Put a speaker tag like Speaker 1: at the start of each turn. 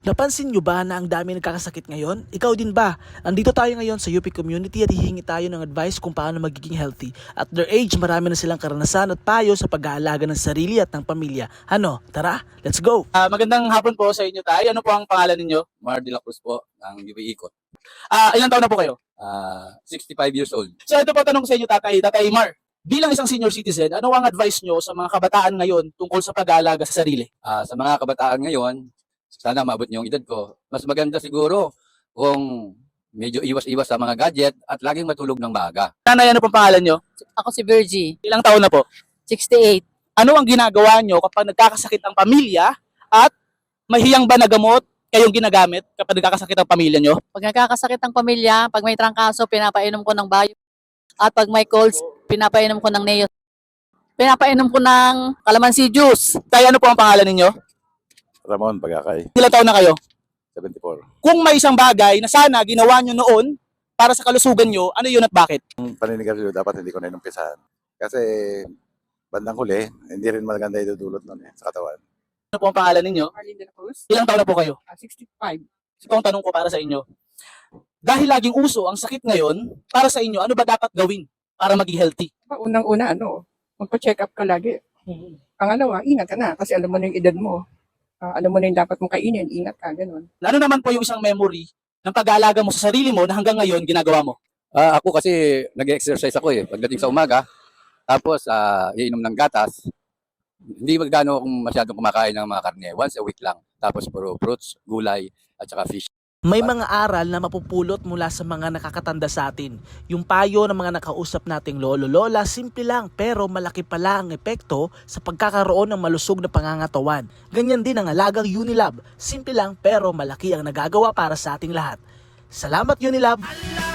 Speaker 1: Napansin nyo ba na ang dami nagkakasakit ngayon? Ikaw din ba? Andito tayo ngayon sa UP Community at hihingi tayo ng advice kung paano magiging healthy. At their age, marami na silang karanasan at payo sa pag-aalaga ng sarili at ng pamilya. Ano? Tara, let's go!
Speaker 2: Magandang hapon po sa inyo, Tay. Ano po ang pangalan ninyo?
Speaker 3: Mar de la Cruz po, ng UP Ikot.
Speaker 2: Ilang taon na po kayo?
Speaker 3: 65 years old.
Speaker 2: So ito po tanong sa inyo, Tatay Mar. Bilang isang senior citizen, ano ang advice nyo sa mga kabataan ngayon tungkol sa pag-aalaga sa sarili?
Speaker 3: Sa mga kabataan ngayon, sana maabot niyo yung edad ko. Mas maganda siguro kung medyo iwas-iwas sa mga gadget at laging matulog ng maaga.
Speaker 2: Nanay, ano pong pangalan nyo?
Speaker 4: Ako si Virgie,
Speaker 2: Ilang taon na po?
Speaker 4: 68.
Speaker 2: Ano ang ginagawa nyo kapag nagkakasakit ang pamilya at mahiyang ba na gamot kayong ginagamit kapag nagkakasakit ang pamilya nyo?
Speaker 4: Pag nagkakasakit ang pamilya, pag may trangkaso, pinapainom ko ng bayo. At pag may colds, pinapainom ko ng neo. Pinapainom ko ng calamansi juice.
Speaker 2: Tay, ano po ang pangalan ninyo?
Speaker 5: Ramon Bagakay,
Speaker 2: Ilang taon na kayo?
Speaker 5: 74.
Speaker 2: Kung may isang bagay na sana ginawa nyo noon para sa kalusugan nyo, ano yun at bakit?
Speaker 5: Ang paninigarilyo dapat hindi ko na inumpisahan. Kasi bandang huli, hindi rin maganda idudulot nun sa katawan.
Speaker 2: Ano po ang pangalan ninyo?
Speaker 6: Arlene de la Cruz,
Speaker 2: Ilang taon na po kayo?
Speaker 6: 65.
Speaker 2: Ito ang tanong ko para sa inyo. Dahil laging uso ang sakit ngayon, para sa inyo, ano ba dapat gawin para maging healthy?
Speaker 6: Unang-una, magpa-check up ka lagi. Pangalawa, ingat ka na kasi alam mo na yung edad mo. Alam mo na yung dapat mong kainin, ingat ka, ganun.
Speaker 2: Ano naman po yung isang memory ng pag-aalaga mo sa sarili mo na hanggang ngayon ginagawa mo?
Speaker 3: Ako kasi nag-exercise ako pagdating sa umaga. Tapos iinom ng gatas. Hindi magdano akong masyadong kumakain ng mga karne. Once a week lang. Tapos puro fruits, gulay, at saka fish.
Speaker 1: May mga aral na mapupulot mula sa mga nakakatanda sa atin. Yung payo ng mga nakausap nating lolo-lola, simple lang pero malaki pala ang epekto sa pagkakaroon ng malusog na pangangatawan. Ganyan din ang alagang Unilab. Simple lang pero malaki ang nagagawa para sa ating lahat. Salamat Unilab!